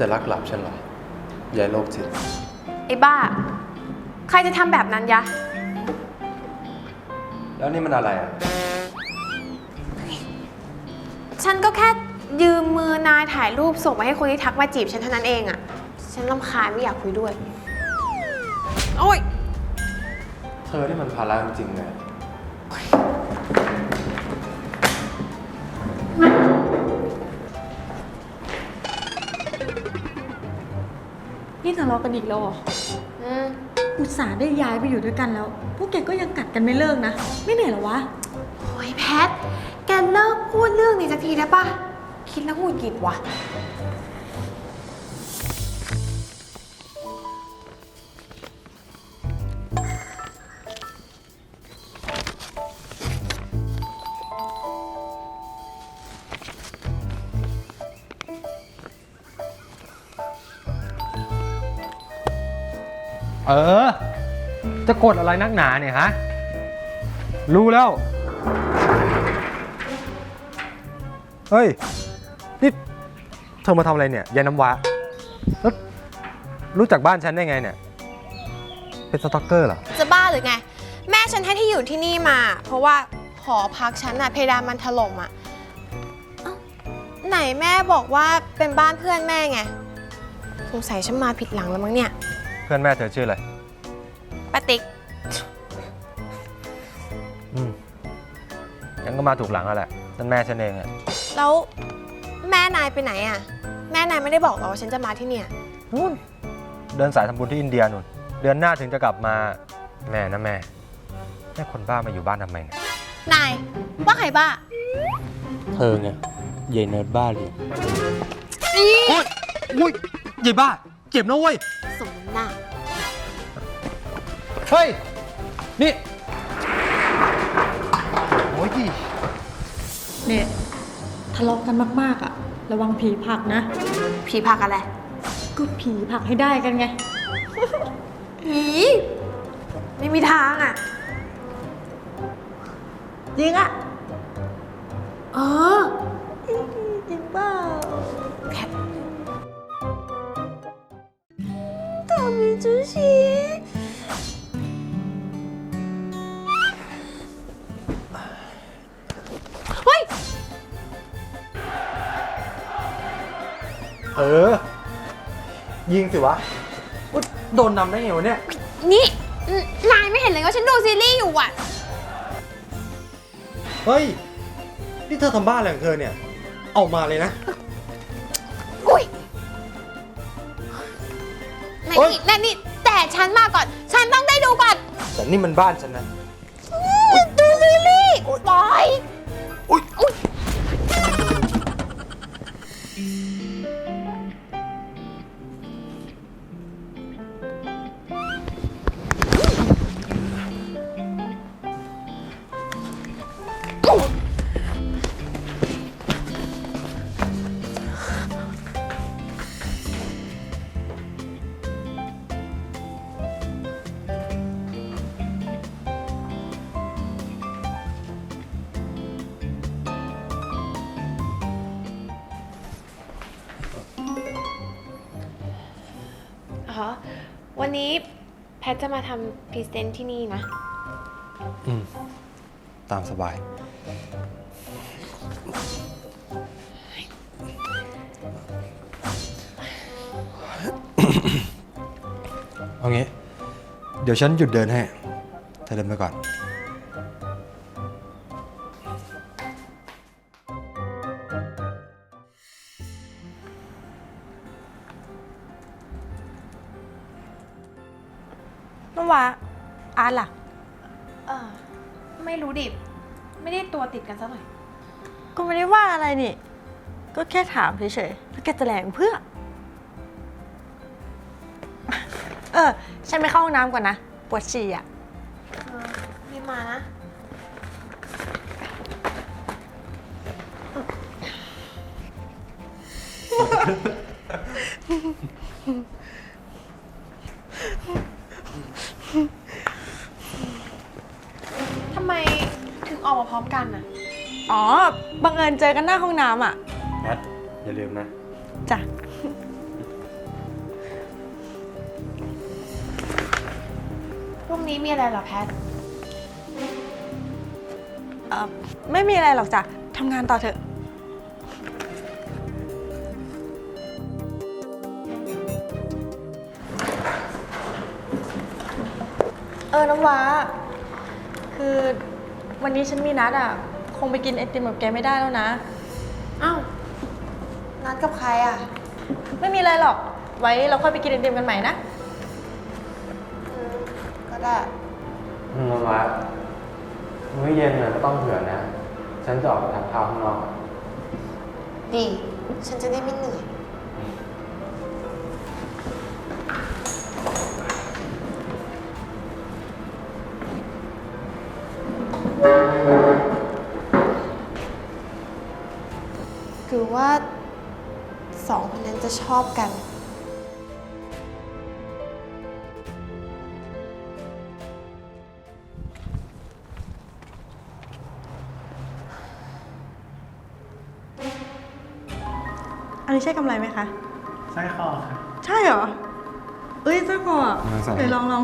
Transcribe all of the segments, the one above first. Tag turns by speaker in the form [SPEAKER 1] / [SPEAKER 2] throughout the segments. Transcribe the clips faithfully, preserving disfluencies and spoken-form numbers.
[SPEAKER 1] จะรักหลับฉันเหรอยายโรคจิต
[SPEAKER 2] ไอ้บ้าใครจะทำแบบนั้นยะ
[SPEAKER 1] แล้วนี่มันอะไรอ่ะ
[SPEAKER 2] ฉันก็แค่ยืมมือนายถ่ายรูปส่งไปให้คนที่ทักมาจีบฉันเท่านั้นเองอะฉันรำคาญไม่อยากคุยด้วยโอ๊ย
[SPEAKER 1] เธอที่มันภาระจริงๆเลย
[SPEAKER 3] นี่ทะเลาะกันอีกแล้วเหรอ
[SPEAKER 2] อืม
[SPEAKER 3] อุตส่าห์ได้ย้ายไปอยู่ด้วยกันแล้ว พวกแกก็ยังกัดกันไม่เลิกนะ ไม่เหนื่อยเหรอวะ
[SPEAKER 2] โอ้ยแพทแกเลิกพูดเรื่องนี้สักทีได้ปะคิดแล้วหงุดหงิดว่ะ
[SPEAKER 4] เออจะกดอะไรนักหนาเนี่ยฮะรู้แล้วเฮ้ยนี่เธอมาทำอะไรเนี่ยยายน้ำว้าแล้วรู้จักบ้านฉันได้ไงเนี่ยเป็นสตอกเกอร์เหรอ
[SPEAKER 2] จะบ้าหรือไงแม่ฉันให้ที่อยู่ที่นี่มาเพราะว่าหอพักฉันอะเพดานมันถล่มอะเอ้าไหนแม่บอกว่าเป็นบ้านเพื่อนแม่ไงสงสัยฉันมาผิดหลังแล้วมั้งเนี่ย
[SPEAKER 4] เพื่อนแม่เธอชื่ออะไร
[SPEAKER 2] ป้าติ๊ก
[SPEAKER 4] อืมงั้นก็มาถูกหลังแล้วแหละนั่นแม่ฉันเองอะ
[SPEAKER 2] แล้วแม่นายไปไหนอะแม่นายไม่ได้บอกหรอว่าฉันจะมาที่เนี่ย
[SPEAKER 4] นู่นเดินสายทำบุญที่อินเดียนู่นเดือนหน้าถึงจะกลับมาแม่นะแม่แม่คนบ้ามาอยู่บ้านทำไมเนี่ย
[SPEAKER 2] นายว่าใครบ้า
[SPEAKER 1] เธอไงยายเนิร์ดบ้าเลย
[SPEAKER 4] โอ๊ยโอ๊ยยายบ้าเจ็บนะเว้ย
[SPEAKER 2] สมน้ำหน้า
[SPEAKER 4] เฮ้ยนี่โอ้ย
[SPEAKER 3] เนี่ยทะเลาะกันมากๆอ่ะระวังผีผลักนะ
[SPEAKER 2] ผีผลักอะไร
[SPEAKER 3] ก็ผีผลักให้ได้กันไง
[SPEAKER 2] ผีไม่มีทางอ่ะ
[SPEAKER 3] จริงอ่ะ
[SPEAKER 2] เออ
[SPEAKER 3] จริงเปล่า
[SPEAKER 2] แพท大明之喜เฮ้ย
[SPEAKER 4] เออยิงสิวะโดนนำได้ไงวะเนี่ย
[SPEAKER 2] นี่นายไม่เห็นเลยว่าฉันดูซีรีส์อยู่อ่ะ
[SPEAKER 4] เฮ้ยนี่เธอทำบ้าอะไรของเธอเนี่ยออกมาเลยนะ
[SPEAKER 2] อุ้ยนั่นนี่นั่นนี่แต่ฉันมาก่อนฉันต้องได้ดูก่อน
[SPEAKER 4] แต่นี่มันบ้านฉันนะ
[SPEAKER 2] ดูซีรีส์ปล่อย
[SPEAKER 4] อุ้ยอุ้ย
[SPEAKER 2] อ๋อวันนี้แพทจะมาทำพรีเซนต์ที่นี่นะ
[SPEAKER 1] อืมตามสบายเอางี้เดี๋ยวฉันหยุดเดินให้เธอเดินไปก่อน
[SPEAKER 3] น้องวาอาร์ตล่ะ
[SPEAKER 2] เออไม่รู้ดิไม่ได้ตัวติดกันสักหน่อย
[SPEAKER 3] ก็ไม่ได้ว่าอะไรนี่ก็แค่ถามเฉยๆแล้วแกจะแหลงเพื่อเออฉันไปเข้าห้องน้ำก่อนนะปวดฉี่อ่ะ
[SPEAKER 2] เออรีบมานะทำไมถึงออกมาพร้อมกันอ่ะ
[SPEAKER 3] อ๋อบังเอิญเจอกันหน้าห้องน้ำอ่ะ
[SPEAKER 1] แพทอย่าลืมนะ
[SPEAKER 3] จ้ะ
[SPEAKER 2] รุ่งนี้มีอะไรเหรอแพท
[SPEAKER 3] เอ่อ ไม่มีอะไรหรอกจ้ะทำงานต่อเถอะ เออ น้ำว้า คือวันนี้ฉันมีนัดอ่ะ คงไปกินไอติมกับแกไม่ได้แล้วนะ
[SPEAKER 2] อ้าว นัดกับใครอ่ะ
[SPEAKER 3] ไม่มีอะไรหรอก ไว้เราค่อยไปกินไอติมกันใหม่นะ
[SPEAKER 2] อืม ก็ได้
[SPEAKER 4] อืมวัดมื้อเย็นเนี่ยก็ต้องเผื่อนะ ฉันจะออกไปทานข้าวข้างนอก
[SPEAKER 2] ดี ฉันจะได้ไม่เหนื่อย คือว่าสองคนนั้นจะชอบกัน
[SPEAKER 3] อันนี้ใช่กำไรไหมคะ
[SPEAKER 5] สร้อยคอค่ะ
[SPEAKER 3] ใช่เหรอ เอ้ยเจ้าก่อ
[SPEAKER 4] ลองใส่
[SPEAKER 3] เดี๋ยวลองลอง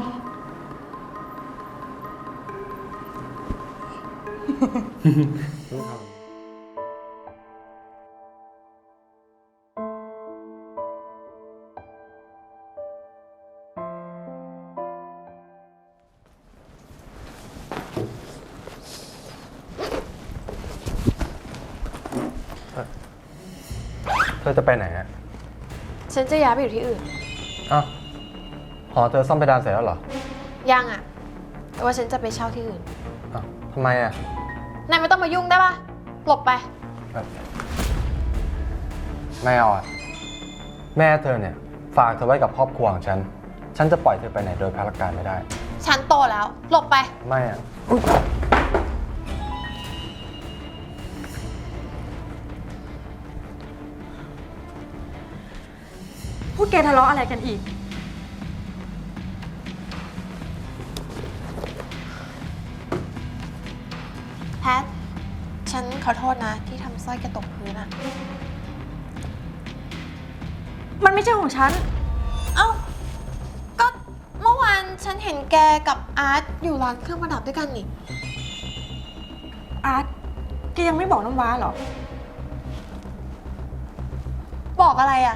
[SPEAKER 4] เธอจะไปไหนอะ
[SPEAKER 2] ฉันจะย้ายไปอยู่ที่อื่น
[SPEAKER 4] อ้าวหอเธอซ่อมเพดานเสร็จแล้วเหรอ
[SPEAKER 2] ยังอ่ะ แต่ว่าฉันจะไปเช่าที่อื่น
[SPEAKER 4] อ้าวทำไมอะ
[SPEAKER 2] นายไม่ต้องมายุ่งได้ปะหลบไป
[SPEAKER 4] เอ่อไม่เอาอะแม่เธอเนี่ย ฝากเธอไว้กับครอบครัวของฉัน ฉันจะปล่อยเธอไปไหนโดยพลการไม่ได้
[SPEAKER 2] ฉันโตแล้ว หลบไป
[SPEAKER 4] ไม่อะ
[SPEAKER 3] พวกแกทะเลาะอะไรกันอีก
[SPEAKER 2] แพท ฉันขอโทษนะที่ทำสร้อยแกตกพื้นอะ
[SPEAKER 3] มันไม่ใช่ของฉัน
[SPEAKER 2] เอ้า ก็เมื่อวานฉันเห็นแกกับอาร์ตอยู่ร้านเครื่องประดับด้วยกันนี่
[SPEAKER 3] อาร์ตแกยังไม่บอกน้ำว้าเหรอ
[SPEAKER 2] บอกอะไรอะ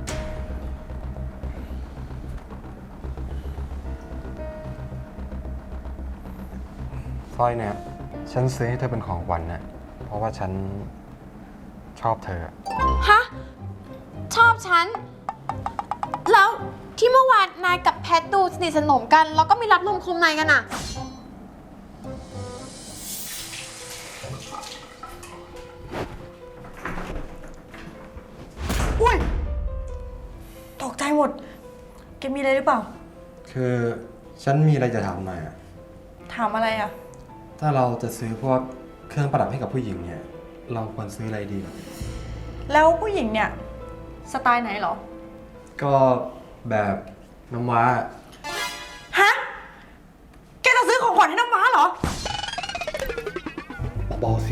[SPEAKER 4] สร้อยเนี่ย ฉันซื้อให้เธอเป็นของขวัญนะเพราะว่าฉันชอบเธอ
[SPEAKER 2] ฮะ ชอบฉัน แล้วที่เมื่อวานนายกับแพทดูสนิทสนมกัน แล้วก็มีรับลมคมในกันอะ
[SPEAKER 3] อุ้ย ตกใจหมด แกมีอะไรหรือเปล่า
[SPEAKER 1] คือฉันมีอะไรจะถามหน่อยอะ
[SPEAKER 3] ถามอะไรอ่ะ
[SPEAKER 1] ถ้าเราจะซื้อพวกเครื่องประดับให้กับผู้หญิงเนี่ย เราควรซื้ออะไรดี
[SPEAKER 3] แล้วผู้หญิงเนี่ย สไตล์ไหนเหรอ
[SPEAKER 1] ก็แบบน้ำว้า
[SPEAKER 3] ฮะ แกจะซื้อของขวัญให้น้ำว้าเหรอ
[SPEAKER 1] เบาๆสิ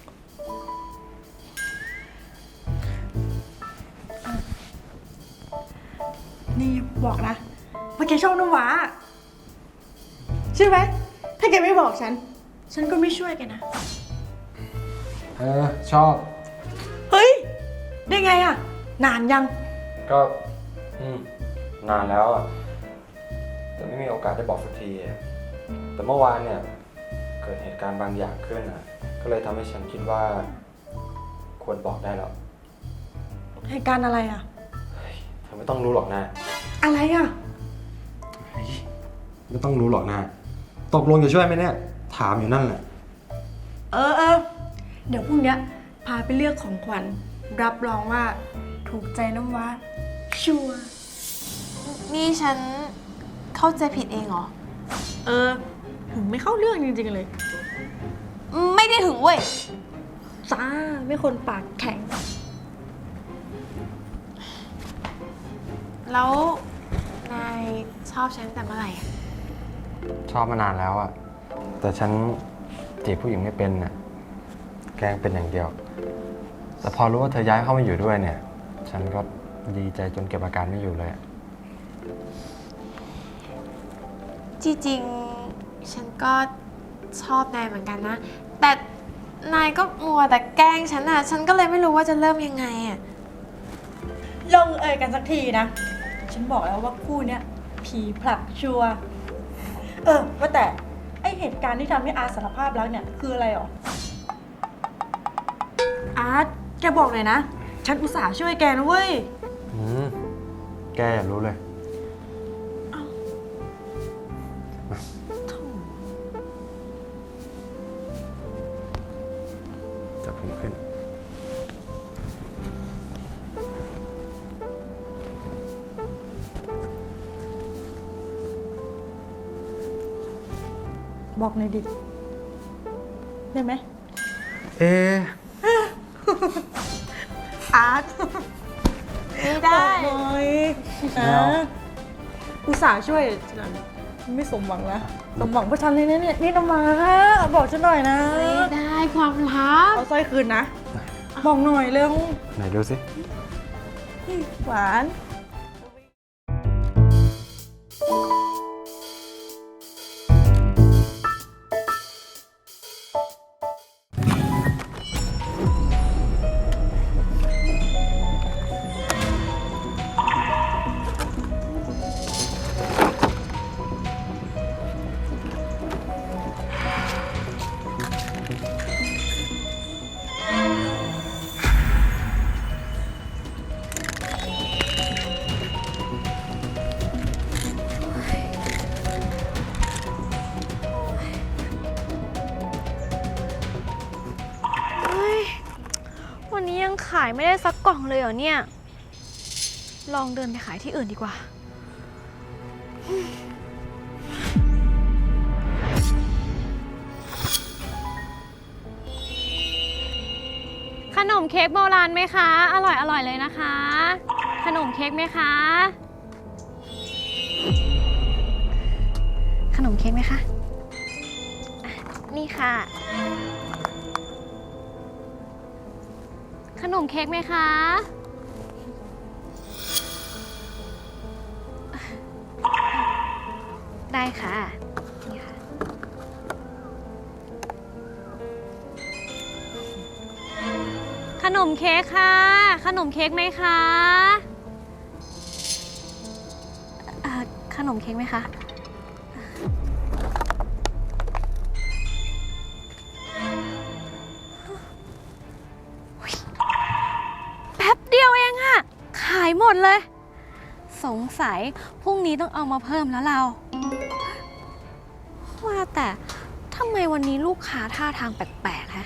[SPEAKER 3] นี่บอกนะว่าแกชอบน้ำว้าใช่ไหม ถ้าแกไม่บอกฉัน ฉันก็ไม่ช่วยแกนะ
[SPEAKER 1] เออ ชอบ
[SPEAKER 3] เฮ้ย ได้ไงอ่ะ นานยัง
[SPEAKER 4] ก็อืมนานแล้วอ่ะแต่ไม่มีโอกาสได้บอกสักทีอะแต่เมื่อวานเนี่ย เกิดเหตุการณ์บางอย่างขึ้นอ่ะ ก็เลยทำให้ฉันคิดว่า ควรบอกได้แล้ว
[SPEAKER 3] เหตุการณ์อะไรอ่ะ
[SPEAKER 4] เธอไม่ต้องรู้หรอกนะ
[SPEAKER 3] อะไรอ่ะ
[SPEAKER 1] ไม่ต้องรู้หรอกนะ ตกลงจะช่วยไหมเนี่ย ถามอยู่นั่นแหละ
[SPEAKER 3] เออเออ เดี๋ยวพรุ่งเนี้ยพาไปเลือกของขวัญ รับรองว่าถูกใจน้ำว้า ชัวร์
[SPEAKER 2] นี่ฉันเข้าใจผิดเองเหรอ
[SPEAKER 3] เออ ถึงไม่เข้าเรื่องจริงๆเลย
[SPEAKER 2] ไม่ได้ถึงเว้ย
[SPEAKER 3] จ้า ไม่คนปากแข็ง
[SPEAKER 2] แล้วนายชอบฉันตั้งแต่เมื่อไหร่อะ
[SPEAKER 4] ชอบมานานแล้วอ่ะ แต่ฉันจีบผู้หญิงไม่เป็นน่ะ แกล้งเป็นอย่างเดียว แต่พอรู้ว่าเธอย้ายเข้ามาอยู่ด้วยเนี่ย ฉันก็ดีใจจนเก็บอาการไม่อยู่เลยอะ
[SPEAKER 2] จริงๆฉันก็ชอบนายเหมือนกันนะ แต่นายก็มัวแต่แกล้งฉันอะฉันก็เลยไม่รู้ว่าจะเริ่มยังไงอะ
[SPEAKER 3] ลงเอยกันสักทีนะ ฉันบอกแล้วว่าคู่เนี้ยผีผลักชัวร์เออว่าแต่ไอเหตุการณ์ที่ทำให้อาร์ตสารภาพรักเนี่ยคืออะไรหรอ อาร์ตแกบอกเลยนะ ฉันอุตส่าห์ช่วยแกนะเว้ย
[SPEAKER 1] อืม แกอย่ารู้เลย จับผมขึ้น
[SPEAKER 3] บอกหน่อยดิ ได้ไหม
[SPEAKER 1] เอะ
[SPEAKER 3] อาร์ต
[SPEAKER 2] ไม่ได้
[SPEAKER 3] หน่อย
[SPEAKER 1] ไม่เอา
[SPEAKER 3] นะอุตส่าห์ช่วยฉันไม่สมหวังแล้วสมหวังเพราะฉันเลยนะเนี่ยนี่น้ำมาบอกฉันหน่อยนะ
[SPEAKER 2] ไม่ได้ความลับ
[SPEAKER 3] เอาสร้อยคืนนะ บอกหน่อยเร็ว
[SPEAKER 1] ไหนดูสิ
[SPEAKER 3] หวาน
[SPEAKER 5] เฮ้ย วันนี้ยังขายไม่ได้สักกล่องเลยเหรอเนี่ย ลองเดินไปขายที่อื่นดีกว่า ขนมเค้กโบราณไหมคะ อร่อยอร่อยเลยนะคะ ขนมเค้กไหมคะ ขนมเค้กไหมคะอ่ะนี่ค่ะ ขนมเค้กไหมคะ ได้ค่ะ นี่ค่ะ ขนมเค้กค่ะ ขนมเค้กไหมคะเอ่อขนมเค้กไหมคะ แป๊บเดียวเองอะขายหมดเลย สงสัยพรุ่งนี้ต้องเอามาเพิ่มแล้วเรา ว่าแต่ทำไมวันนี้ลูกค้าท่าทางแปลกๆฮะ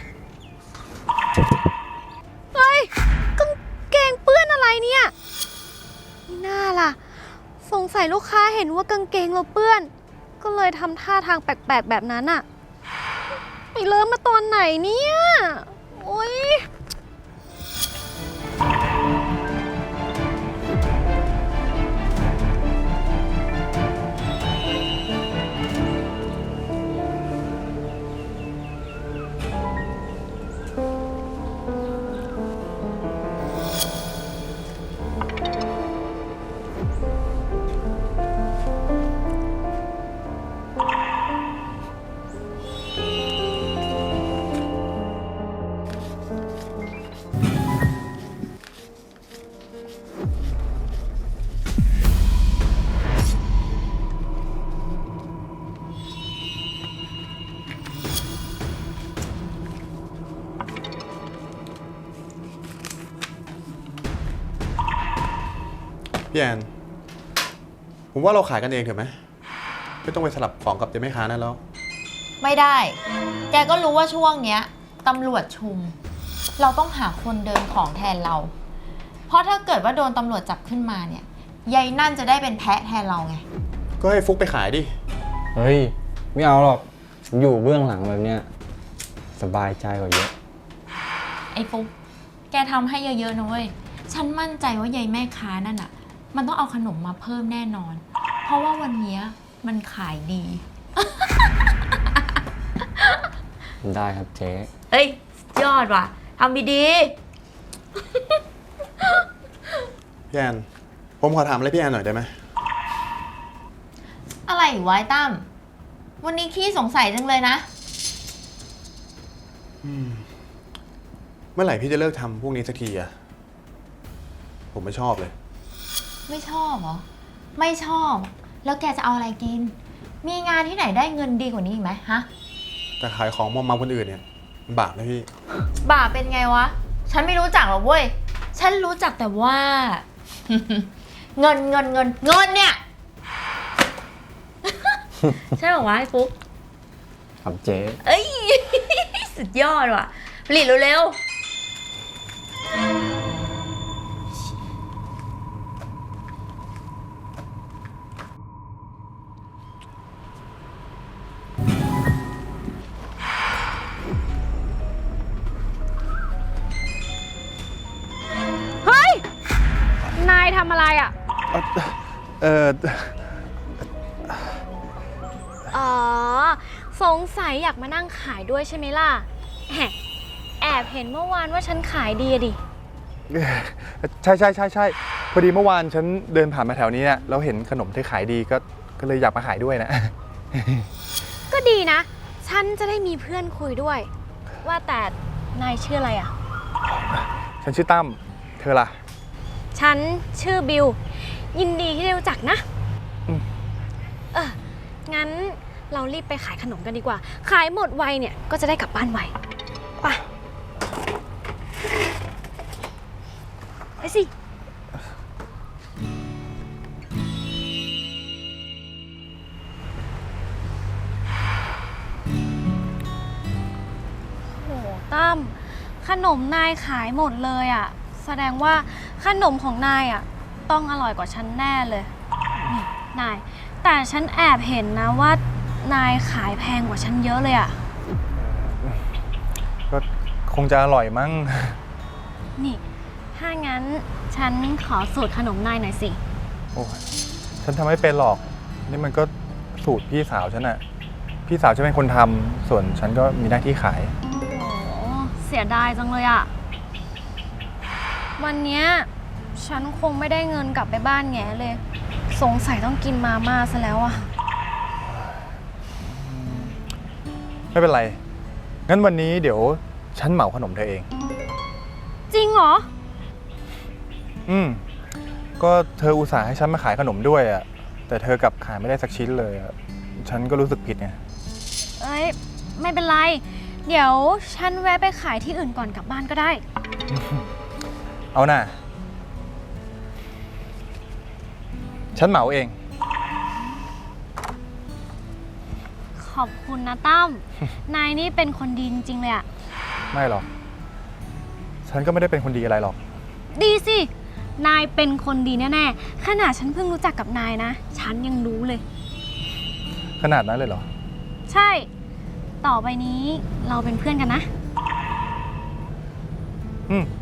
[SPEAKER 5] เฮ้ยกางเกงเปื้อนอะไรเนี่ยนี่น่าล่ะ สงสัยลูกค้าเห็นว่ากางเกงเราเปื้อน ก็เลยทำท่าทางแปลกๆแบบนั้นอะไปเริ่มมาตอนไหนเนี่ยโอ๊ย
[SPEAKER 1] พี่แอน ผมว่าเราขายกันเองเถอะไหม ไม่ต้องไปสลับของกับเจ๊แม่ค้านั่นแล้ว
[SPEAKER 6] ไม่ได้ แกก็รู้ว่าช่วงเนี้ยตำรวจชุม เราต้องหาคนเดินของแทนเรา เพราะถ้าเกิดว่าโดนตำรวจจับขึ้นมาเนี่ยยายนั่นจะได้เป็นแพะแทนเราไง
[SPEAKER 1] ก็ให้ฟุกไปขายดิ
[SPEAKER 7] เฮ้ย ไม่เอาหรอกผมอยู่เบื้องหลังแบบเนี้ยสบายใจกว่าเยอะ
[SPEAKER 6] ไอ้ฟุ๊กแกทำให้เยอะๆนะเว้ย ฉันมั่นใจว่ายายแม่ค้านั่นอะมันต้องเอาขนมมาเพิ่มแน่นอน เพราะว่าวันเนี้ยมันขายดี
[SPEAKER 7] ได้ครับเจ๊
[SPEAKER 6] เฮ้ย ยอดว่ะทำดี
[SPEAKER 1] พี่แอน ผมขอถามอะไรพี่แอนหน่อยได้ไหม
[SPEAKER 6] ๆอะไรอีกวะไอ้ตั้มวันนี้ขี้สงสัยจังเลยนะ
[SPEAKER 1] เมื่อไหร่พี่จะเลิกทำพวกนี้สักทีอะผมไม่ชอบเลย
[SPEAKER 6] ไม่ชอบเหรอ ไม่ชอบ แล้วแกจะเอาอะไรกิน มีงานที่ไหนได้เงินดีกว่านี้อีกไหมฮะ
[SPEAKER 1] แต่ขายของมอมเมาคนอื่นเนี่ยมันบาปนะพี่
[SPEAKER 6] บาปเป็นไงวะ ฉันไม่รู้จักหรอกเว้ย ฉันรู้จักแต่ว่า เงินเงินเงินเงินเนี่ย ใช่หรอวะไอ้ฟุ๊ก
[SPEAKER 7] ครับเจ๊
[SPEAKER 6] เอ้ย สุดยอดว่ะผลิตเร็วๆ
[SPEAKER 5] เฮ้ย นายทำอะไรอ่ะ
[SPEAKER 1] เออ
[SPEAKER 5] อ๋อ สงสัยอยากมานั่งขายด้วยใช่ไหมล่ะแหมแอบเห็นเมื่อวานว่าฉันขายดีอะดิ
[SPEAKER 8] ใช่ใช่ใช่ใช่พอดีเมื่อวานฉันเดินผ่านมาแถวนี้เนี่ยแล้วเห็นขนมที่ขายดีก็ก็เลยอยากมาขายด้วยนะ
[SPEAKER 5] ก็ดีนะ ฉันจะได้มีเพื่อนคุยด้วย ว่าแต่นายชื่ออะไรอ่ะ
[SPEAKER 8] ฉันชื่อตั้มเธอล่ะ
[SPEAKER 5] ฉันชื่อบิว ยินดีที่ได้รู้จักนะ
[SPEAKER 8] อืม
[SPEAKER 5] เออ งั้นเรารีบไปขายขนมกันดีกว่า ขายหมดไวเนี่ยก็จะได้กลับบ้านไว ไป ไปสิ โหตั้มขนมนายขายหมดเลยอะ่ะ แสดงว่าขนมของนายอะ่ะต้องอร่อยกว่าฉันแน่เลยนี่นาย แต่ฉันแอบเห็นนะว่านายขายแพงกว่าฉันเยอะเลยอะ่ะ
[SPEAKER 8] ก็คงจะอร่อยมั้ง
[SPEAKER 5] นี่ ถ้างั้นฉันขอสูตรขนมนายหน่อยสิ
[SPEAKER 8] โอ้ยฉันทำไม่เป็นหรอก นี่มันก็สูตรพี่สาวฉันอะพี่สาวฉันเป็นคนทำส่วนฉันก็มีหน้าที่ขาย
[SPEAKER 5] โอ้เสียดายจังเลยอะวันเนี้ยฉันคงไม่ได้เงินกลับไปบ้านแง่เลย สงสัยต้องกินมาม่าซะแล้วอะ
[SPEAKER 8] ไม่เป็นไร งั้นวันนี้เดี๋ยวฉันเหมาขนมเธอเอง
[SPEAKER 5] จริงเหรอ
[SPEAKER 8] อืม ก็เธออุตส่าห์ให้ฉันมาขายขนมด้วยอะแต่เธอกลับขายไม่ได้สักชิ้นเลยอะฉันก็รู้สึกผิดไง
[SPEAKER 5] เอ้ย ไม่เป็นไร เดี๋ยวฉันแวะไปขายที่อื่นก่อนกลับบ้านก็ได้
[SPEAKER 8] เอาน่ะ ฉันเหมาเอง
[SPEAKER 5] ขอบคุณนะตั้ม นายนี่เป็นคนดีจริงๆเลยอะ
[SPEAKER 8] ไม่หรอก ฉันก็ไม่ได้เป็นคนดีอะไรหรอก
[SPEAKER 5] ดีสิ นายเป็นคนดีแน่ๆ ขนาดฉันเพิ่งรู้จักกับนายนะ ฉันยังรู้เลย
[SPEAKER 8] ขนาดนั้นเลยเหรอ
[SPEAKER 5] ใช่ ต่อไปนี้เราเป็นเพื่อนกันนะ
[SPEAKER 8] อืม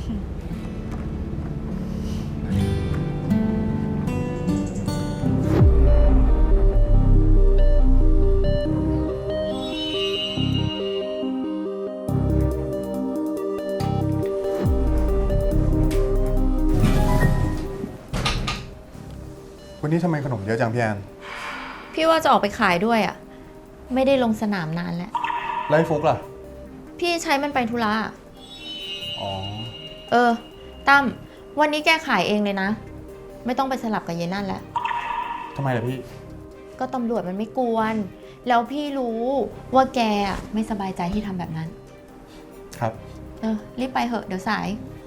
[SPEAKER 1] วันนี้ทำไมขนมเยอะจังพี่แอน
[SPEAKER 6] พี่ว่าจะออกไปขายด้วยอะ่ะ ไม่ได้ลงสนามนานแล้ว
[SPEAKER 1] แล้วไอ้ฟุกล่ะ
[SPEAKER 6] พี่ใช้มันไปธุระ
[SPEAKER 1] อ๋อ
[SPEAKER 6] เออ ตั้ม วันนี้แกขายเองเลยนะ ไม่ต้องไปสลับกับเยนั่นแล้ว
[SPEAKER 1] ทำไมล่ะพี่
[SPEAKER 6] ก็ตำรวจมันไม่กวน แล้วพี่รู้ว่าแกอะไม่สบายใจที่ทำแบบนั้น
[SPEAKER 1] ครับ
[SPEAKER 6] เออ รีบไปเหอะ เดี๋ยวสาย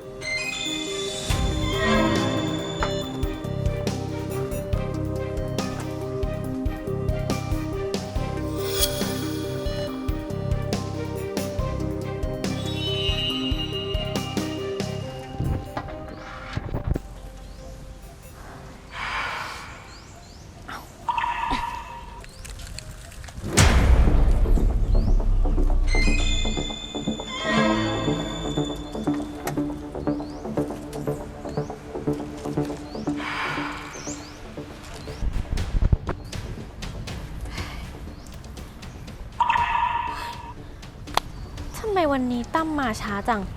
[SPEAKER 5] ทำไมวันนี้ตั้มมาช้าจัง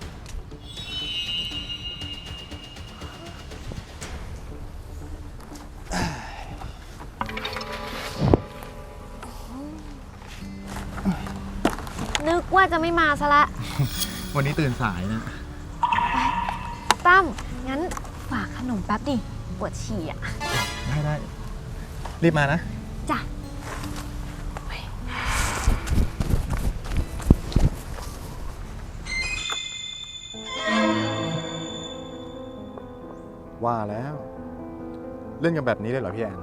[SPEAKER 5] จะไม่มาซะละ
[SPEAKER 8] วันนี้ตื่นสายนะ
[SPEAKER 5] ตั้ม งั้นฝากขนมแป๊บดิ ปวดฉี่อ่ะ
[SPEAKER 8] ได้ได้ รีบมานะ
[SPEAKER 5] จ้ะ
[SPEAKER 8] ว่าแล้ว เล่นกันแบบนี้เลยเหรอพี่แอน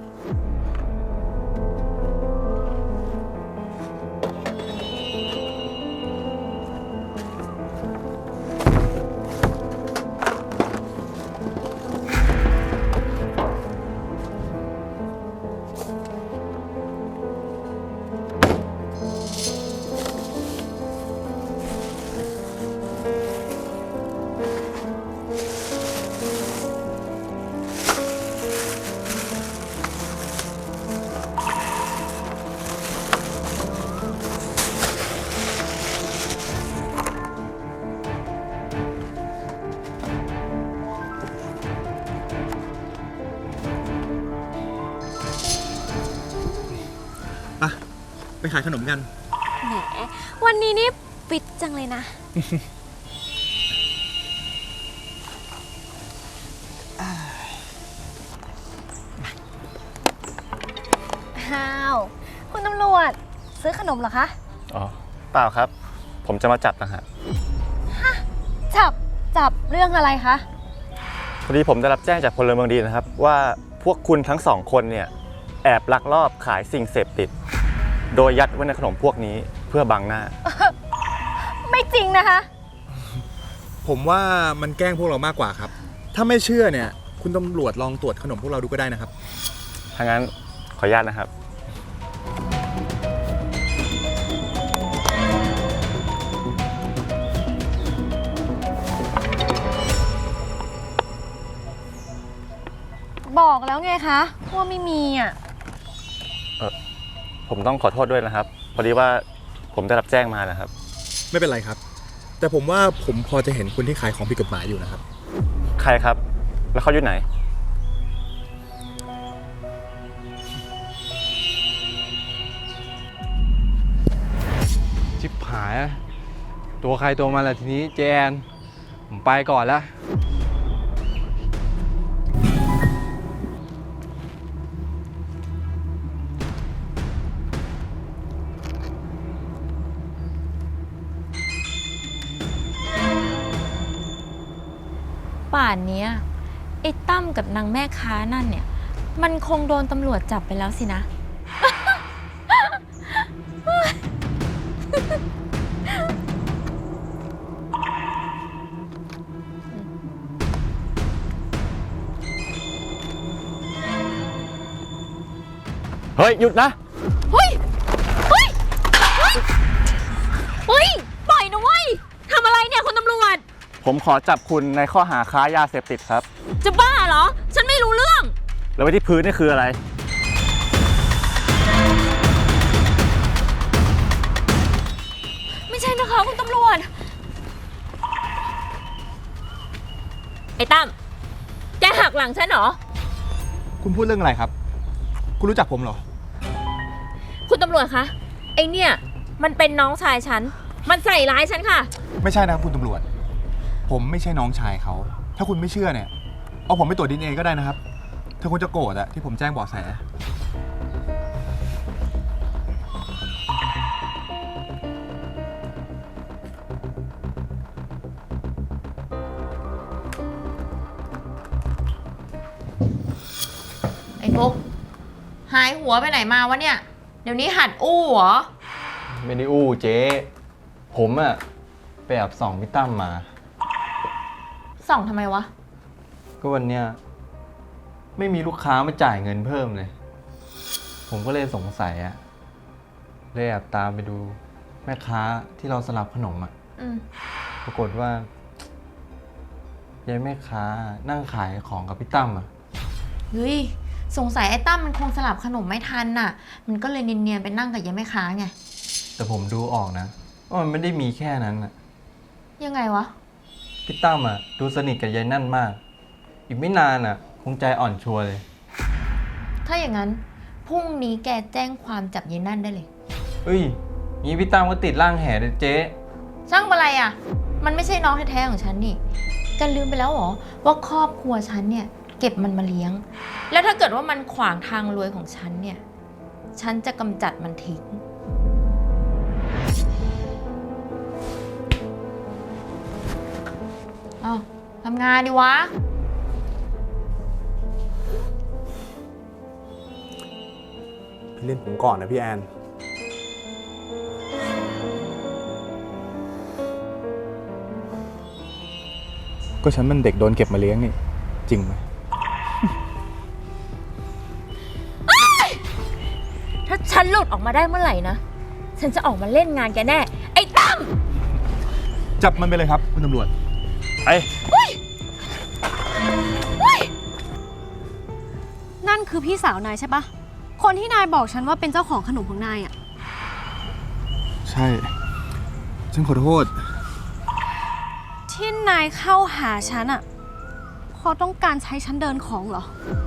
[SPEAKER 8] ไปขายขนมกัน
[SPEAKER 5] แหม วันนี้นี่ฟิตจังเลยนะ อ้าว คุณตำรวจ ซื้อขนมเหรอคะ
[SPEAKER 9] อ๋อ เปล่าครับ ผมจะมาจับนะฮะ
[SPEAKER 5] จับ จับเรื่องอะไรคะ
[SPEAKER 9] พอดีผมได้รับแจ้งจากพลเมืองดีนะครับ ว่าพวกคุณทั้งสองคนเนี่ยแอบลักลอบขายสิ่งเสพติด โดยยัดไว้ในขนมพวกนี้เพื่อบังหน้า
[SPEAKER 5] ไม่จริงนะคะ
[SPEAKER 8] ผมว่ามันแกล้งพวกเรามากกว่าครับ ถ้าไม่เชื่อเนี่ย คุณตำรวจลองตรวจขนมพวกเราดูก็ได้นะครับ
[SPEAKER 9] ถ้างั้นขออนุญาตนะครับ
[SPEAKER 5] บอกแล้วไงคะว่าไม่มีอ่ะ
[SPEAKER 9] ผมต้องขอโทษด้วยนะครับ พอดีว่าผมได้รับแจ้งมานะครับ
[SPEAKER 8] ไม่เป็นไรครับ แต่ผมว่าผมพอจะเห็นคนที่ขายของผิดกฎหมายอยู่นะครับ
[SPEAKER 9] ใครครับ แล้วเขาอยู่ไหน
[SPEAKER 7] ชิบหายอะตัวใครตัวมันแหละทีนี้เจแอนผมไปก่อนละ
[SPEAKER 6] ป่านเนี้ยไอ้ตั้มกับนางแม่ค้านั่นเนี่ย มันคงโดนตำรวจจับไปแล้วสินะ
[SPEAKER 9] เฮ้ย หยุดนะ
[SPEAKER 5] เฮ้ย เฮ้ย เฮ้ย เฮ้ย ปล่อยนะเว้ย ทำอะไรเนี่ยคุณตำรวจ
[SPEAKER 9] ผมขอจับคุณในข้อหาค้ายาเสพติดครับ
[SPEAKER 5] จะบ้าเหรอ ฉันไม่รู้เรื่อง
[SPEAKER 9] แล้วไว้ที่พื้นนี่คืออะไร
[SPEAKER 5] ไม่ใช่นะคะคุณตำรวจ ไอ้ตั้ม แกหักหลังฉันเหรอ
[SPEAKER 8] คุณพูดเรื่องอะไรครับ คุณรู้จักผมเหรอ
[SPEAKER 5] คุณตำรวจคะ ไอ้เนี่ย มันเป็นน้องชายฉัน มันใส่ร้ายฉันค่ะ
[SPEAKER 8] ไม่ใช่นะครับคุณตำรวจ ผมไม่ใช่น้องชายเขา ถ้าคุณไม่เชื่อเนี่ย เอาผมไปตรวจดีเอ็นเอก็ได้นะครับ ถ้าคุณจะโกรธอะที่ผมแจ้งเบาะแส
[SPEAKER 6] ไอ้ฟุกหายหัวไปไหนมาวะเนี่ย เดี๋ยวนี้หัดอู้เหรอ
[SPEAKER 7] ไม่ได้อู้เจ๊ ผมอะไปแอบส่องพี่ตั้มมา
[SPEAKER 6] ส่องทำไมวะ
[SPEAKER 7] ก็วันเนี้ยไม่มีลูกค้ามาจ่ายเงินเพิ่มเลย ผมก็เลยสงสัยอะเลยแอบตามไปดูแม่ค้าที่เราสลับขนมอะ
[SPEAKER 6] อืม
[SPEAKER 7] ปรากฏว่ายายแม่ค้านั่งขายของกับพี่ตั้มอะ
[SPEAKER 6] เฮ้ย สงสัยไอ้ตั้มมันคงสลับขนมไม่ทันน่ะ มันก็เลยเนียนๆไปนั่งกับยายแม่ค้าไง
[SPEAKER 7] แต่ผมดูออกนะว่ามันไม่ได้มีแค่นั้นอะ
[SPEAKER 6] ยังไงวะ
[SPEAKER 7] พี่ตั้มอะดูสนิทกับยายนั่นมาก อีกไม่นานอะคงใจอ่อนชัวร์เลย
[SPEAKER 6] ถ้าอย่างนั้นพรุ่งนี้แกแจ้งความจับยายนั่นได้เลย
[SPEAKER 7] เอ้ยงี้พี่ตั้มก็ติดร่างแห่เลยเจ๊
[SPEAKER 6] ช่างอะไรอ่ะ มันไม่ใช่น้องแท้ๆของฉันนี่แกันลืมไปแล้วเหรอว่าครอบครัวฉันเนี่ยเก็บมันมาเลี้ยง แล้วถ้าเกิดว่ามันขวางทางรวยของฉันเนี่ย ฉันจะกำจัดมันทิ้งอ้าวทำงานดิวะ
[SPEAKER 1] พี่เล่นผมก่อนนะพี่แอน
[SPEAKER 8] ก็ฉันมันเด็กโดนเก็บมาเลี้ยงนี่ จริงไหม
[SPEAKER 6] ถ้าฉันหลุดออกมาได้เมื่อไหร่นะ ฉันจะออกมาเล่นงานแกแน่ ไอ้ตั้ม
[SPEAKER 8] จับมันไปเลยครับ คุณตำรวจ ไป
[SPEAKER 5] นั่นคือพี่สาวนายใช่ปะคนที่นายบอกฉันว่าเป็นเจ้าของขนมของนายอะ
[SPEAKER 8] ใช่ ฉันขอโทษ
[SPEAKER 5] ที่นายเข้าหาฉันอะเพราะต้องการใช้ฉันเดินของเหรอ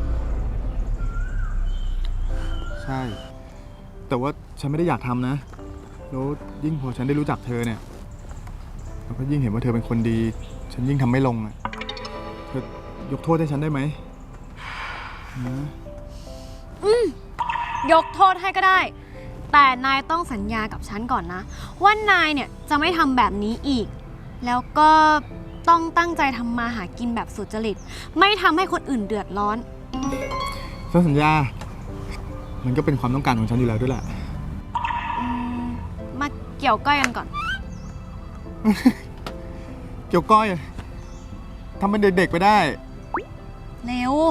[SPEAKER 8] ใช่ แต่ว่าฉันไม่ได้อยากทำนะ แล้วยิ่งพอฉันได้รู้จักเธอเนี่ย แล้วก็ยิ่งเห็นว่าเธอเป็นคนดี ฉันยิ่งทำไม่ลงอะเธอยกโทษให้ฉันได้ไหมนะ
[SPEAKER 5] ยกโทษให้ก็ได้ แต่นายต้องสัญญากับฉันก่อนนะ ว่านายเนี่ยจะไม่ทำแบบนี้อีก แล้วก็ต้องตั้งใจทำมาหากินแบบสุจริต ไม่ทำให้คนอื่นเดือดร้อน
[SPEAKER 8] ฉันสัญญา มันก็เป็นความต้องการของฉันอยู่แล้วด้วยแหละ
[SPEAKER 5] อืมมาเกี่ยวก้อยกันก่อน
[SPEAKER 8] เกี่ยวก้อยอะทำเป็นเด็กๆไปได้
[SPEAKER 5] เร็ว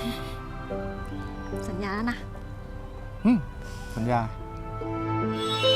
[SPEAKER 5] สัญญานะ
[SPEAKER 8] อืมสัญญา